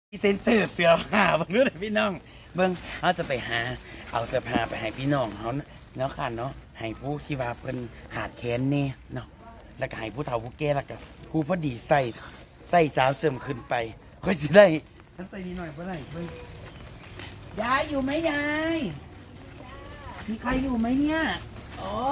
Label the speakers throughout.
Speaker 1: เซ็นเตอร์เสื้อผ้าเบิ่งดูเด้อพี่น้องเบิ่งเขาจะไปหาเอาเสื้อผ้าไปให้พี่น้องเขาเนาะค่ะเนาะให้ผู้ที่ว่าเพิ่นขาดแคลนแน่เนาะแล้วก็ให้ผู้เฒ่าผู้แก่แล้วก็ผู้พอดีใส่สาวเสริมขึ้นไปค่อยสิได้ฉันใส่นิดหน่อยบ่ได้เบิ่งยายอยู่ไหมยายมีใครอยู่ไหมเนี่ยอ๋อ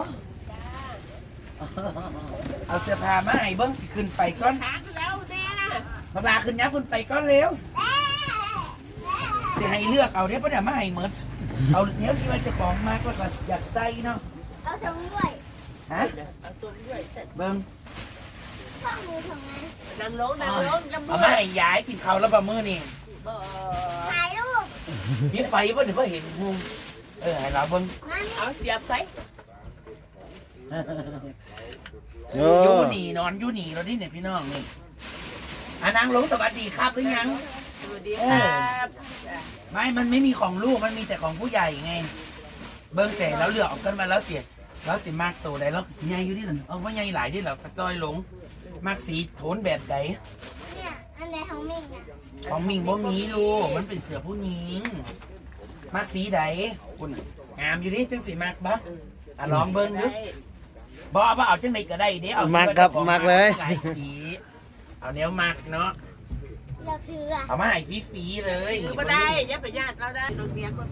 Speaker 1: เอาเสื้อผ้ามาให้เบิ่งสิขึ้นไปก่อน
Speaker 2: ขาขึ้นแล้วแน่
Speaker 1: มาลาขึ้นยับขึ้นไปก่อนเร็วจะให้เลือกเอาเดี๋ยวเดี๋ยวมาให้เหมือนเอาเนี้ยที่ว่าจะของมากก็อยากใส่เนาะ
Speaker 3: เอาทงด้วย
Speaker 1: ฮะ
Speaker 2: เอาตัวด้วยเสร็จ
Speaker 1: เบิ้ง
Speaker 3: ข้อมือทงนั้น
Speaker 2: นั่งลงนั่งลงนั่ง
Speaker 1: เอามาให้ยายกินข้าวแล้วบะมือนี่
Speaker 2: บ่
Speaker 3: ถ่ายรูป
Speaker 1: มีไฟป่ะเดี๋ยวก็เห็นมุมให้เราเบิ้ง
Speaker 3: มานี่
Speaker 2: เอาเสียบไป
Speaker 1: อยู่หนีนอนอยู่หนีเราดิเนี่ยพี่น้องนี่นางลงสวัสดีครับหรือยัง
Speaker 2: สวัสดีครับ
Speaker 1: ไม่มันไม่มีของลูกมันมีแต่ของผู้ใหญ่ไงเบิ้งแต่แล้วเลือกออกกันมาแล้วเสียแล้วสิมากโตได้แล้วใหญ่อยู่ดิหรอเอาว่าใหญ่หลายดิหรอกระจอยลงมากสีโทนแบบใด
Speaker 3: เนี่ยอันไหนของมิ่งอ่ะ
Speaker 1: ของมิงบ่มีลูกมันเป็นเสือผู้หญิงมักสีใดคุณงามอยู่ดิจังสีมักบ่ลองเบิ่งดูบ่เอาจังไดก็ได้เด้เอา
Speaker 4: มักครับมักเลย
Speaker 1: หลายสีเอาแนวมักเนาะ
Speaker 3: เราคืออ่ะ
Speaker 1: เอามาให้ฟรีๆเลย
Speaker 2: คือบ่ได้อย่าไปญาติเราได้โรงเรียนก็มี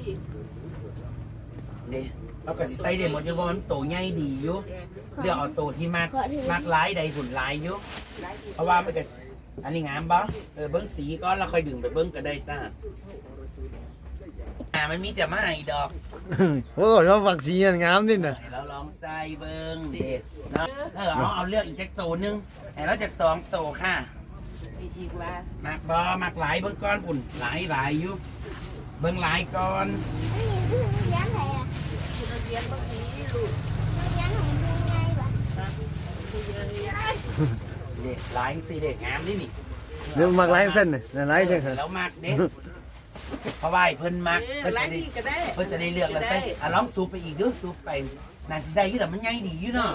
Speaker 1: เด้เราก็สิใส่ได้หมดอยู่บ่มันโตใหญ่ดีอยู่เลือกเอาโตที่มักหลายใดหุ่นหลายอยู่เพราะว่ามันก็อันนี้งามบ่เบิ่งสีก่อนแล้วค่อยดึงไปเบิ่งก็ได้จ้ามันมีแต่มาให้ดอก
Speaker 4: โอ้ยว่าฝักสีนั่นงามนี่น่ะ
Speaker 1: ให้เราลองใส่เบิ้งเด็ดเนาะเอาเลือกอีกจากตัวหนึงให้เราจาก2ตัวค่ะ
Speaker 2: อีกว่า
Speaker 1: มักบอมักหลายเบิ้งก้อนปุ่นหลายอยู่เบิ้งหลายก้อน
Speaker 3: อันนี้คือเลี้ยงใครอ่ะ
Speaker 2: โรงเรียนก็มีลูก
Speaker 3: เลี้ยงของลุงไงวะ
Speaker 1: เด็ดหลายสิเด็ดงามนี่นี่
Speaker 4: เดี๋ยวมักไล่เส้นน่ะนั่นไล่เส้นครับ
Speaker 1: แล้วมักเด็ดเพราะว่าเพิ่นมักเพิ่น
Speaker 2: ไล่
Speaker 1: จะได้
Speaker 2: นี่ก็ได้
Speaker 1: เพิ่นจะได้เลือกแล้วใส่ลองซูปไปอีกเด้อซูปไปน่าสิได้อยู่แต่มันใหญ่ดีอยู่เนาะ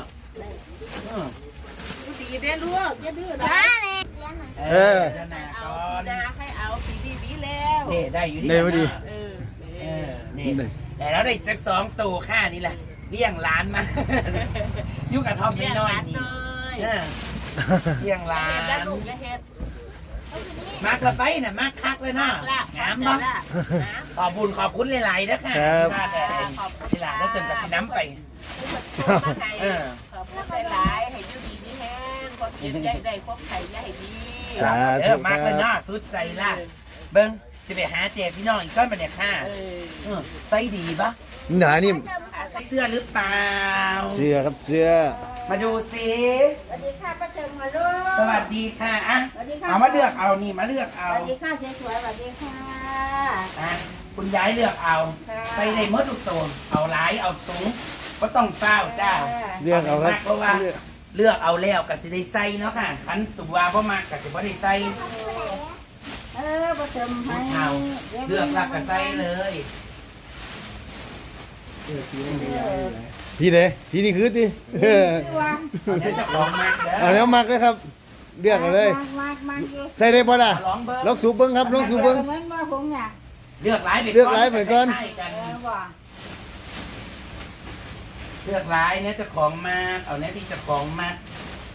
Speaker 2: ดีเด้ลูกอย่าดื้อนะ
Speaker 3: มาเลยเลี้ยงหน่อย
Speaker 1: จะหนา
Speaker 2: เอา
Speaker 1: ก่อน
Speaker 2: นาให้เอาปีดีแล้ว
Speaker 1: เด็ดได้อยู่
Speaker 4: ได้พอดี
Speaker 1: นี่แต่แล้วได้จาก2ตัวค่านี่แหละเลี้ยงร้านมาอยู่กับทอมน้อยๆนี่เลี้ยงร้า
Speaker 2: เห็ดแล้ว
Speaker 1: น
Speaker 2: ลูกอย่าเห็ด
Speaker 1: มากละไปน่ะมากคักเลยเนาะงามบ่ขอบคุณหลายๆนะค่ะที่หลานแล้วเติมกับน้ำไป
Speaker 2: ขอบคุณหลายให้อยู่ดีนี่แห้งความเย็นได้ความไข่ใหญ่ดี
Speaker 4: สาธุ
Speaker 1: มากเลยเนาะสุดใจล่ะเบิ้งจะไปหาเจ๊พี่น้องอีกก้อนมาเนี่ยค่ะใส่ดีปะ
Speaker 4: หนานี่
Speaker 1: เสื้อหรือเปล่า
Speaker 4: เสื้อครับเสื้อ
Speaker 1: มาดูสิ
Speaker 5: สวัสดีค่ะป้าเจิมมาลูก
Speaker 1: สวัสดีค่ะอ่ะ
Speaker 5: สวัสดีค่ะ
Speaker 1: เอามาเลือกเอานี่มาเลือกเอา
Speaker 5: สวัสดีค่ะสวยๆสวัสดีค่ะ
Speaker 1: อ่ะคุณยายเลือกเอา
Speaker 5: ค่ะ
Speaker 1: ไปในมดทุกโซนเอาหลายเอาสูงก็ต้องเฝ้าจ้า
Speaker 4: เลือกเอาครับ
Speaker 1: เพราะว่าเลือกเอาแล้วก็สิได้ใส่เนาะค่ะขันตัวเพราะมากก็สิบ่ได้ใส่
Speaker 5: ป้าเจิมให้
Speaker 1: เอาเลือกหลักก็ใส่เลย
Speaker 4: สีไหนสีนี่คือดิเออ
Speaker 1: เอาเดี๋ยวเจะของมากเด้
Speaker 4: เอาแล้วมักเลยครับเลือกเอาเลย
Speaker 5: มากเยอะ
Speaker 4: ใส่ได้บ่ล่ะ
Speaker 1: เอาลองเบิ้ง
Speaker 4: ลองสูบเบิ้งครับลองสูบเบิ้ง
Speaker 5: เหมือนว่าผมเนี่ย
Speaker 1: เลือกหลายไป
Speaker 4: เลือกหลายไปก่อน
Speaker 1: ใส่กัน
Speaker 5: ว่า
Speaker 1: เลือกหลายเนี่ยเจะของมากเอาเนี่ยที่เจะของมาก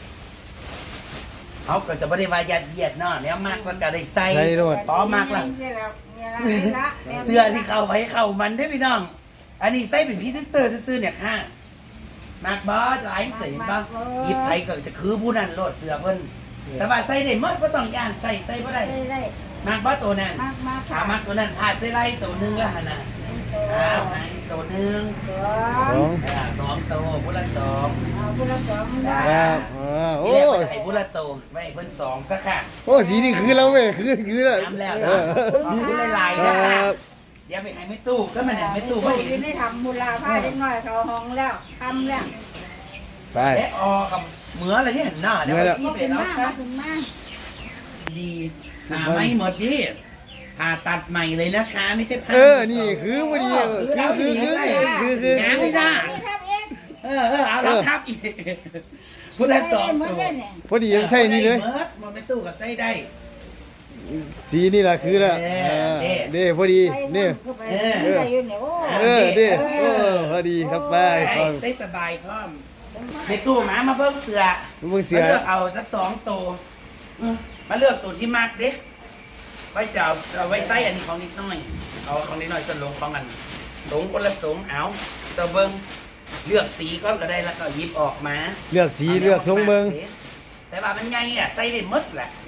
Speaker 1: เขาก็จะไม่ได้ว่ายัดเยียดเนาะแล้วมากก็จะได้ใส่
Speaker 4: ใส่โลด
Speaker 1: พอมากละ เสื้อที่เข้าไปเข้ามันได้อพี่น้อง อันนี้ใส่เป็นพรีเซนเตอร์ซื่อๆเนี่ยค่ะมากบอสหลายเสียงบ้างหยิบไผก็จะคือผู้นั้นโลดเสื้อเพิ่นแต่ว่าใส่ได้หมดก็ต้องย่านใส่บ่ได้
Speaker 5: ได้
Speaker 1: มากบอสตัวนั้น
Speaker 5: มาก
Speaker 1: ถามมากตัวนั้นพาดใส่ไล่ตัวหนึงแล้วหั่นน่ะให้ตัวหนึง
Speaker 4: สอง
Speaker 1: 2ตัวผู้ละ2
Speaker 5: เอาคนละสองได้
Speaker 4: ครับโอ้
Speaker 1: นี่แหละก็จะให้ผู้ละตัวไว้ให้เพิ่น2ซะค่ะ
Speaker 4: โอ้สีนี่คือแล้วเว้ยคือแล้ว
Speaker 1: น้ำแล้ว
Speaker 4: เอ
Speaker 1: นะ
Speaker 4: อ
Speaker 1: ขอบคุณหลายๆ
Speaker 4: ค
Speaker 1: นะ
Speaker 4: รั
Speaker 1: คะ
Speaker 4: บ
Speaker 1: เดี๋ยวไปให้ไม่ตู้ก็มันเนี่ยไม่ตู้
Speaker 5: ตู้
Speaker 1: ก็
Speaker 5: อ
Speaker 1: เห็
Speaker 5: ยู่
Speaker 1: น
Speaker 5: ในทำมูลผ้าเล็กน้อยเขาห้องแล้วทำแล้ว
Speaker 4: ไป
Speaker 1: และออกับเหมืออะไรที่เห็นหน้าเดี๋ยว
Speaker 4: เหมือแล้ว
Speaker 1: ที่
Speaker 5: ก็
Speaker 1: เป็
Speaker 5: เป็น น
Speaker 1: แล้ว
Speaker 5: มาก
Speaker 1: ครับ
Speaker 5: เป็นมาก
Speaker 1: ดีหาไม่หมดดิผ่าตัดใหม่เลยนะคะไม่ใช่ผ่า
Speaker 4: นี่คือพอดีคือ
Speaker 1: งานไม่ได้
Speaker 5: นี่ทำเอง
Speaker 1: เอาเราทับอีกพุทธสอง
Speaker 5: เหมื
Speaker 1: ตั
Speaker 5: อน
Speaker 1: ว
Speaker 5: กันเนี่ย
Speaker 4: พอดียังใส่นี่เลย
Speaker 1: หมดไม่ตู้กับใส่ได้
Speaker 4: สีนี่ล่ะคือละนี่พอดีนี่
Speaker 5: เข้าไปได้อยู่เนี่ยโอ้
Speaker 4: ดิพอดีครับไป
Speaker 1: ได้สบายพร้อมในตู้หมามาเพิ่มเสือ
Speaker 4: มึงเสีย
Speaker 1: มาเลือกเอาสัก2 ตัวมาเลือกตัวที่มักเด้ไว้จะเอาไว้ใต้อันนี้ของนิดหน่อยเอาของนิดหน่อยจะลงของกันสงคนละสงเอาจะเบิ้งเลือกสีก็ได้แล้วก็หยิบออกมา
Speaker 4: เลือกสีเลือกทรงเมือง
Speaker 1: แต่ว่ามันไงอ่ะใส่ได้หมดแหละ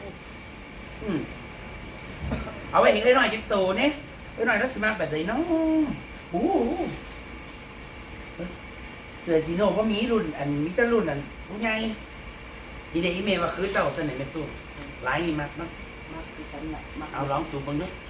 Speaker 1: เอาไว้เห็นได้หน่อยจิตโตเนี่ยได้หน่อยแล้วสิมาแบบไหนเนาะโอ้เสือจีโน่ก็มีรุ่นอันมิตรรุ่นอันพวกไงอีเดอีเมลว่าคือเจ้าเสนอเป็นตู้หลายนี่มากเนาะเอาลองสูบบ้างด้วย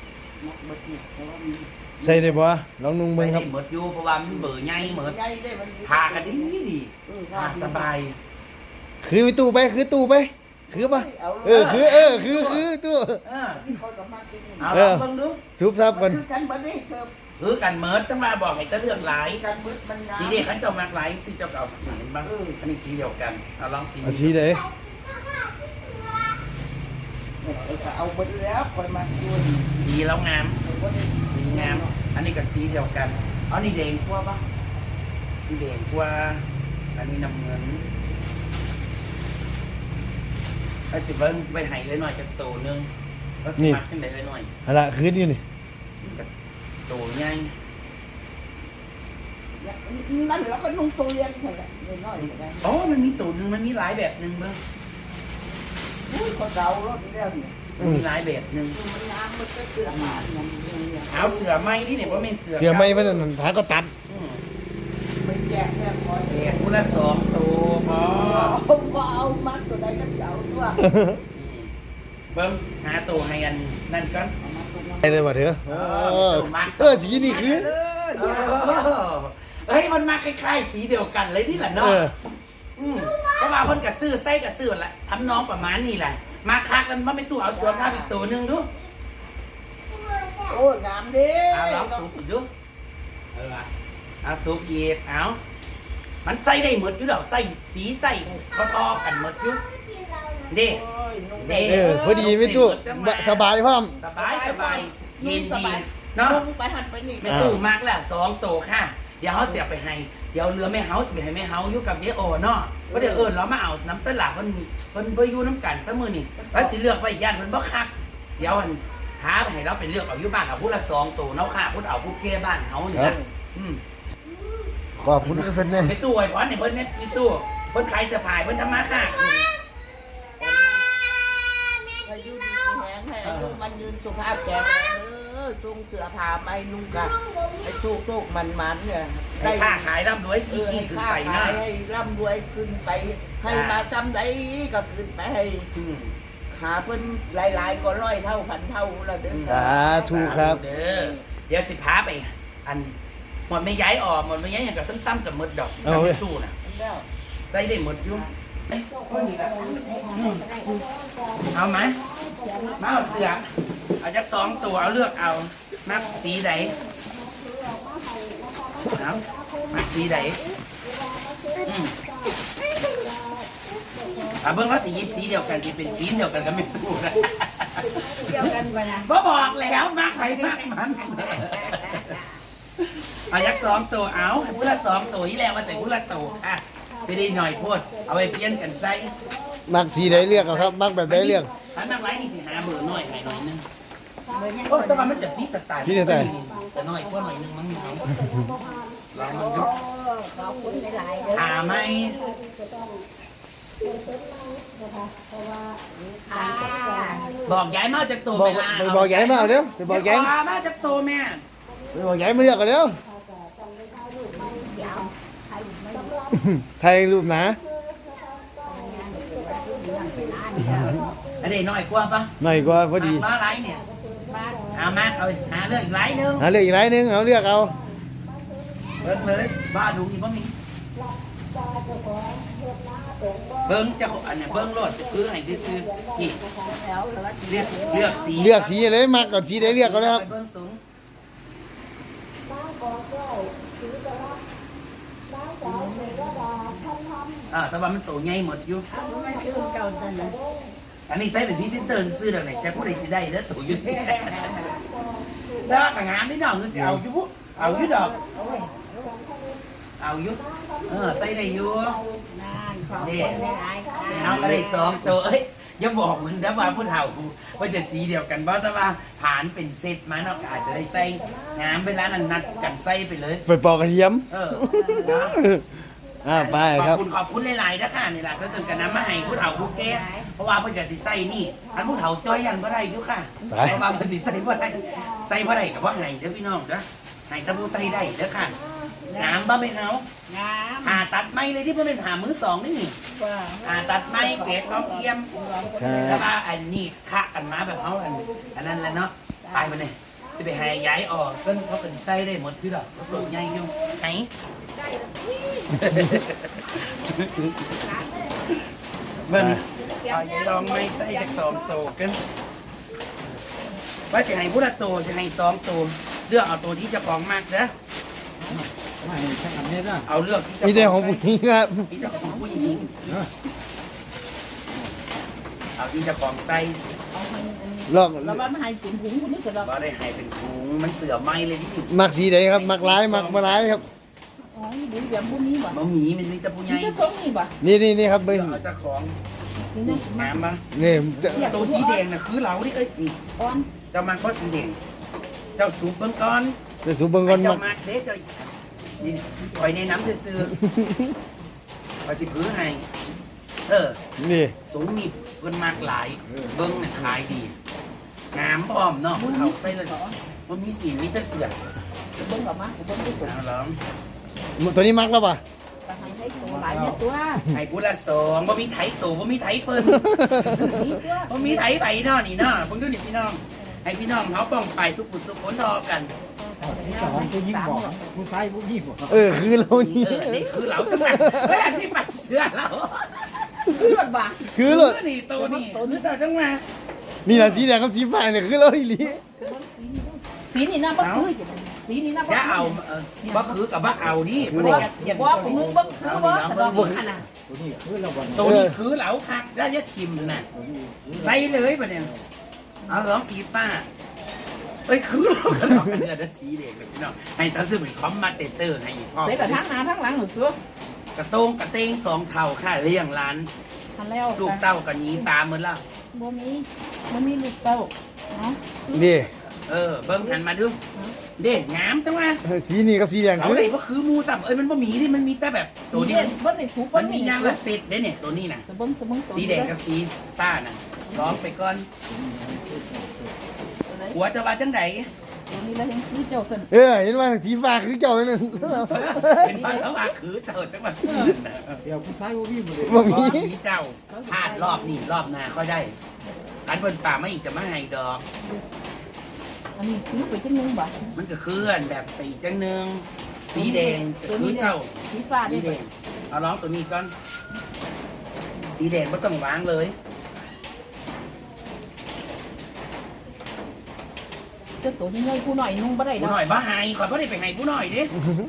Speaker 4: ใส่ได้บ่ลองนุ่งเบิ่งครับ
Speaker 1: หมดอยู่เพราะว่ามันเบื่อไงเหมือน
Speaker 2: ใหญ่ได้มัน
Speaker 1: พากันดีพาสบาย
Speaker 4: คือไปตู้ไปคือตู้ไปคือปะคือตู้
Speaker 1: เอาลองเบิ่งดู
Speaker 4: ซุบซับกัน
Speaker 2: คือกันบ่ได้เสิร์ฟ
Speaker 1: คือกันเมิร์ดต้องมาบอกให้จะเลือกหลาย
Speaker 2: กันบึดมันงาม
Speaker 1: สีเด็กขันเจ้ามากหลายสีเจ้าเก่าเห็นบ้างอันนี้สีเดียวกันเอาลองสี
Speaker 4: เอาสีไหน
Speaker 2: เอาบึดแล้วคอยมาดู
Speaker 1: สีแล้วงามสีงาม อันนี้ก็สีเดียวกันอันนี้แดงกว่าปะนี่แดงกว่าอันนี้น้ำเงินไอ้สิเบิ้งไปให้เลยหน่อยจะโตนึงแล้วสมัครจังไดเลยหน่อย
Speaker 4: อะไรคืนอยู่นี่
Speaker 1: โตใหญ่
Speaker 2: นั่นแล้วก็นุ่งตัวเลี้ยงนั่นแหละน้อยๆได้
Speaker 1: อ๋อมันมีโตนึงมันมีหลายแบบนึงเบิ้ง
Speaker 2: อุ้ยเขาเดารถแล้วเนี่ย
Speaker 1: มันมีหลายแบบนึง
Speaker 2: มันงามมันก็เสื้อผ้าอย่างนี้
Speaker 1: เอาเสือไม้นี่เนี่ยว่าเป็นเสือ
Speaker 4: เสียไม่มันนั่นหาก็ตัด
Speaker 2: ไปแจกแม่พอ
Speaker 1: แดกคนละ2 ตัวพอ
Speaker 2: เอามัดตัวใดก็เอาตัว
Speaker 1: เบิ้งหาตัวให้อันนั่นก่อน
Speaker 4: ไอ้เลยบ่เถอะสีนี่คือ
Speaker 1: เฮ้ยมันมาคล้ายๆสีเดียวกันเลยนี่แหละเนาะเพราะว่าเพิ่นกับซื้อไส้กับซื้อละทำน้องประมาณนี้แหละมาคักกันว่าเป็นตู้เอาสวมท่าอีกตัวหนึงดู
Speaker 2: โอ้ยงามดิ
Speaker 1: เอาลองสูบอีกดูเอาสูบอีกเอามันใส่ได้หมดอยู่ดอกใส่สีใส่พอๆกันหมดอยู่เด้
Speaker 2: โอ้ยนุ่ง
Speaker 1: เด้
Speaker 4: พอดีไม่ตู้สบายพร้อม
Speaker 1: สบายเย็นดีเนาะ
Speaker 2: นุ่งไปหันไปนี่
Speaker 1: แม่ตู้มากแล้ว2 ตัวค่ะเดี๋ยวเขาเสียไปให้เดี๋ยวเรือแม่เฮาสิไปให้แม่เฮาอยู่กับเยโอเนาะก็เดี๋ยวเรามาเอาน้ำสลัดมันบ่อยู่น้ำกันซะมื้อนี่แล้วสิเลือกไว้ย่านมันบ่คักเดี๋ยวอันหาไปให้เราไปเลือกเอาอยู่บ้านเอาผู้ละ2 ตัวเนาะค่ะผู้เอาผู้เก้บ้านเฮานี่นะ
Speaker 4: ขอบคุณเพิ่นแน่
Speaker 1: แม่ตู้ไอ้พรนี่เพิ่นเนี่ยพี่ตู้เพิ่นขายเสื้อผ้าเพิ่นทำมาค้าขึ้น
Speaker 2: ให้ยืนดีแข็งให้อายุมันยืนสุขภาพแข็งแรงจุงเสื้อผ้าไปนุ่งกันให้สุกๆมันๆเนี่ย
Speaker 1: ให้ค้าขายร่ำรวย
Speaker 2: ให้
Speaker 1: ยิ่งขึ้น
Speaker 2: ค้า
Speaker 1: ไป
Speaker 2: ขา
Speaker 1: นะ
Speaker 2: ยให้ร่ำรวยขึ้นไป ให้มาจำได้ก็ขึ้นไปให้ขาเพิ่นหลายๆก็100 เท่าพันเท่าละเด้อ
Speaker 4: สาธุครับ
Speaker 1: เด้อเดี๋ยวสิพาไปอันหมดไม่ย้ายออกหมดไม่ย้ายอย่างกับซ้ำๆกับหมดดอกกับแม่ตู้น่ะ
Speaker 2: แล้ว
Speaker 1: ได้ได้หมดอยู่เอาไหมมาเอาเสือเอาจาก2 ตัวเอาเลือกเอามักสีไหนเอามักสีไหนเบิ่งว่าสียิบสีเดียวกันที่เป็นทีมเดียวกันก็ไม่ถูกนะ
Speaker 5: เดียวกันไปนะ
Speaker 1: บ่บอกแล้วมักใครมักมันเอาจาก2 ตัวเอาผู้ละ2 ตัวนี่แหละมาใส่ผู้ละตัวอ่ะจะได้หน่อยพูดเอาไปเพี้ยนกันใส่
Speaker 4: มักสีใดเลือกเอาครับ มักแบบใดเลือก
Speaker 1: ถ้ามักไรนี่สิหาเบอร์หน่อยให้หน่อยนึงโอ้แต่ว่ามันจะฟีสไตล์แต่หน่อยพวกหน่อยนึงมันมีเขาลองมันดู
Speaker 5: ขอบคุณหลายๆเด้อ
Speaker 1: หาไหม
Speaker 5: ค่ะ
Speaker 1: บอกย้ายมาจากตัว
Speaker 4: บอก
Speaker 1: เวลา
Speaker 4: ไปบอกใหญ่มาเอาเร็วไปบอกใหญ่
Speaker 1: มาจากตัวแม่
Speaker 4: ไปบอกใหญ่มาเลือกกันเร็วไทยรูปหนา
Speaker 1: อันนี้หน่อยกว่าปะ
Speaker 4: หน่อยกว่าพอดี
Speaker 1: มาไรเนี่ยเอามาเอาหาเรื่องอีกไรนึง
Speaker 4: หาเลือกอีกหลายนึงเอาเลือกเอา
Speaker 1: เบิ้งเลยบ้าดูอีกบ่มีเบิ้งจะอันเนี้ยเบิ้งรถคือให้ซื้อนี่เลือกสี
Speaker 4: เลือกสีเลยมักก่อนสีใดเลือกก็แล้วครับ
Speaker 1: เบิ้งสูงแต่ว่ามันโตใหญ่หมดอยู่
Speaker 5: มันคือเก่าตอนนั้น
Speaker 1: อันนี้ใส่เป็นพรีเซนเตอร์ซื้อดอกไหนจะพูดอะไรสิได้แล้วตัวอยู่แต่ว่าขางามนี่น้องคือสิเอาอยู่ปุ๊เอาอยู่ดอกเอาอยู่ใส่ได้อยู่
Speaker 5: นั่นขอบคุณหลายๆค่ะ
Speaker 1: เอาก็ได้2ตัวเอ้ยอย่าบอกมึงนะว่าผู้เฒ่าว่าจะสีเดียวกันเพราะแต่ว่าผ่านเป็นเซตมาเนาะก็อาจจะได้ใส่งามเวลานั้นนัดกันใส่ไปเลย
Speaker 4: ไปปอกกระเทียม
Speaker 1: นะ
Speaker 4: ไปครับ
Speaker 1: ขอบคุณหลายๆนะคะนี่แหละก็จนกันน้ำมาให้ผู้เฒ่าผู้แก่เพราะว่าเพิ่นจะสิใส่นี่อันผู้เฒ่าจ้อยยันบ่ได้อยู่ค่ะเพราะว่าเพิ่นสิใส่บ่ได้ใส่บ่ได้ก็บ่ให้เด้อพี่น้องเด้อให้แต่ผู้ใส่ได้เด้อค่ะงามบ่ไม่เอา
Speaker 5: งาม
Speaker 1: ผ่าตัดไม้เลยที่เพิ่นเป็นผ่ามือ2นี่
Speaker 5: ว่า
Speaker 1: ผ่าตัดไม้เกรดต้องเทียม แล้วก็อันนี้คะกันมาแบบเขาอันนั้นแหละเนาะไปมาเนี่ยจะไปหาย้ายออกก็เขาเป็นไส้ได้หมดพี่หรอกเขาตัวใหญ่อยู่ไหนเบิ้ลเอาอย่าลองไม่ไส้จาก2 ตัวกันว่าจะให้พุทธโตจะให้2 ตัวเลือกเอาตัวที่เจะของมากนะเอาเลือกที่
Speaker 4: มีแต่ของผู้หญิงครับ
Speaker 1: ที่เจะของผู้หญิงเอาที่เจะของไส้
Speaker 5: เอาให้อันนี้
Speaker 4: ลอก
Speaker 5: แล้วว่ามาให้กินหุงคนนี้ก็ดอก
Speaker 1: ว่าได้ให้เป็นถุงมันเสือไหมเลยที่
Speaker 4: มักสีใดครับ มักร้ายมักมาร้ายครับ
Speaker 5: อ๋อบุญแบบบุญนี้บ่
Speaker 1: มะหมี่มันมีแต่ผู้ใหญ่
Speaker 5: นี่จะส่งนี่บ่
Speaker 4: นี่ครับเบิ้ง
Speaker 1: เอาเจ้าของ
Speaker 5: นี่นะมา
Speaker 1: น้ำปะ
Speaker 4: นี่จะ
Speaker 1: ตัวสีแดงน่ะคือเราที่เอ้ยนี่
Speaker 5: อ่อน
Speaker 1: เจ้ามันก็สีแดงเจ้าสูบเบิ้งก้อน
Speaker 4: จะสูบเบิ้งก่อน
Speaker 1: เจ้า
Speaker 4: มัก
Speaker 1: มาเด็กเจ้านี่ปล่อยในน้ำซื่อไปสิพื้นให้
Speaker 4: นี่
Speaker 1: สูงนี่เพิ่นมากหลายเบิ้งน่ะขายดีน้ำพร้อมเนาะเอาไปเลยมันมีสีมีแต่เสือ
Speaker 5: เบิ่งออกมาเบิ่งดูตัว
Speaker 1: เอาแล้ว
Speaker 4: ตัวนี้มักแล้วป่ะ
Speaker 5: ก็ให้ตัวหลายเนี่ยตัว
Speaker 1: ให้กูละ2บ่มีไถโตบ่มีไถเพิ่น
Speaker 5: นี่ตัว
Speaker 1: บ่มีไถไปเนาะนี่เนาะเพิ่งดูนี่พี่น้องให้พี่น้องเขาป้องไปทุกปุถุคนทอกัน
Speaker 5: ผู้หญิงบอก
Speaker 4: คือเรานี่
Speaker 1: นี่คือเราจังไงเฮ้ยอันนี้ปัดเสื้อเรา
Speaker 5: คือมันบ่
Speaker 4: คือเรา
Speaker 1: นี่ตัวนี่คือตัวจังมา
Speaker 4: นี่แหละสีแดงกับสีฟ้าเนี่ยคือเราอีหลี
Speaker 5: สีนี่นะบ่คือสีนี่นะบ่
Speaker 1: จะเอาบ่คือกับบ่เอาดิบ่ได้ยัดเยียด
Speaker 5: ว่าผมมึงเบิ่งคือบ่สะดอกขนาด
Speaker 1: ตัวนี้คือเหลาคักแล้วยัดทิมน่ะใส่เลยปะเนี่ยเอาลองสีฟ้าเอ้ยคือเราก็ลองกันเนี่ยสีแดงเลยพี่น้องให้ตาซื้อเป็นคอมมาเตเตอร์ให้พ่อ
Speaker 5: ใส่แบบทั้งหน้าทั้งหลังหนูซื้อก
Speaker 1: ระโตงกระเตง2 เท่าค่ะเลี้ยงร้าน
Speaker 5: ทันแล้ว
Speaker 1: ลูกเต้ากันนี้ตามเหมือนละ
Speaker 5: บ่มีลูกเต้าเนาะ
Speaker 4: นี่
Speaker 1: เบิ่งหันมาดูเด้งามจังวะ
Speaker 4: สีนี่กับสีแดง
Speaker 1: เอา
Speaker 4: คือ
Speaker 1: เลยว่าคือมูสับเอ้ยมันบ่มีดิมันมีแต่แบบตัวนี้
Speaker 5: เบิ่งในสูบ
Speaker 1: มันมียางละเศษเด้เนี่ยตัวนี้น่ะ
Speaker 5: เบิ่งตัว
Speaker 1: สีแดงกับสีฟ้าน่ะร้องไปก่อนหัวจะว่าจังได
Speaker 5: ตัวนี้แล้วยังคือเจ้าเส้น
Speaker 4: เห็นว่าสีฟ้าคือเจ้านั่น
Speaker 1: เป็นบ้านเขาว่าคือเจ้าจังหวัด
Speaker 4: บ่มี
Speaker 1: มีเจ้าพลาดรอบนี้รอบหน้าค่อยได้อันบนป่าไม่อีกจะมาให้ดอก
Speaker 5: อันนี้คือไปจังนึงบ่
Speaker 1: มันก็คืออันแบบตีจังหนึงสีแดงก็คือเจ้า
Speaker 5: สีฟ้า
Speaker 1: สี
Speaker 5: นี่
Speaker 1: แดงเอาร้องตัวนี้ก่อนสีแดงไม่ต้องวางเลย
Speaker 5: เจ้าตัวนี้ใหญ่ผู้หน่อยนุ่งบ่ได้
Speaker 1: ผู้
Speaker 5: ดอก
Speaker 1: หน่อยบ้าหายขอพ่อได้ไปให้ผู้หน่อยดิ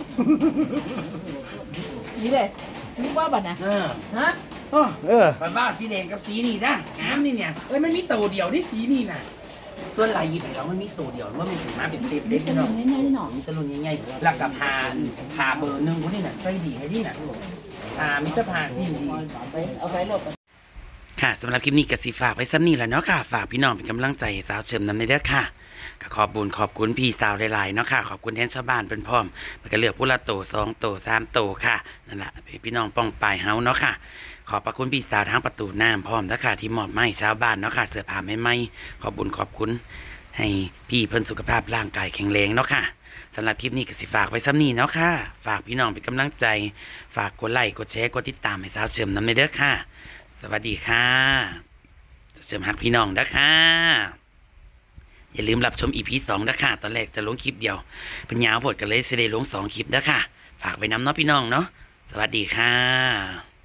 Speaker 5: นี่เลยนี่ว่าบ่น่ะฮะ
Speaker 1: มันบ้าสีแดงกับสีนี่นะงามนี่เนี่ยเอ้ยมันมีตัวเดียวที่สีนี่น่ะส่วนลายหยิบไปแล้วมันมีตัวเดียวว่ามันถึงมาเป็นเซฟเล็ก
Speaker 5: นี่
Speaker 1: เนาะ
Speaker 5: นี่นี่หน่อ
Speaker 1: มีตะลุนใหญ่ๆหลักกับผ่าเบอร์หนึ่งคนนี้น่ะใส่ดีให้ดีน่ะมิตรผ่าสีดี
Speaker 5: เอาไปโลด
Speaker 1: ค่ะสำหรับคลิปนี้ก็สิฝากไว้ซ้ำนี่แหละเนาะค่ะฝากพี่น้องเป็นกำลังใจให้สาวเฉิมนำในเด้อค่ะก็ขอบบุญขอบคุณพี่สาวหลายๆเนาะค่ะขอบคุณแทนชาวบ้านเป็นพร้อมมันก็เลือกผู้ละโต2 โต 3 โตค่ะนั่นแหละพี่น้องป้องปลายเฮาเนาะค่ะขอบพระคุณพี่สาวทั้งประตูน้ำพร้อมนะคะที่มอบให้ชาวบ้านเนาะค่ะเสื้อผ้าใหม่ๆขอบบุญขอบคุณให้พี่เพิ่นสุขภาพร่างกายแข็งแรงเนาะค่ะสำหรับคลิปนี้ก็สิฝากไว้ซ้ำนี่เนาะค่ะฝากพี่น้องเป็นกำลังใจฝากกดไลค์กดแชร์กดติดตามให้สาวเฉิมนำในเด้อค่ะสวัสดีค่ะเสริมหักพี่น้องนะคะอย่าลืมรับชม EP 2นะคะตอนแรกจะลงคลิปเดียวเป็นยาวพดกันเลยจะได้ลง2 คลิปนะคะฝากไว้น้ำเนาะพี่น้องเนาะสวัสดีค่ะ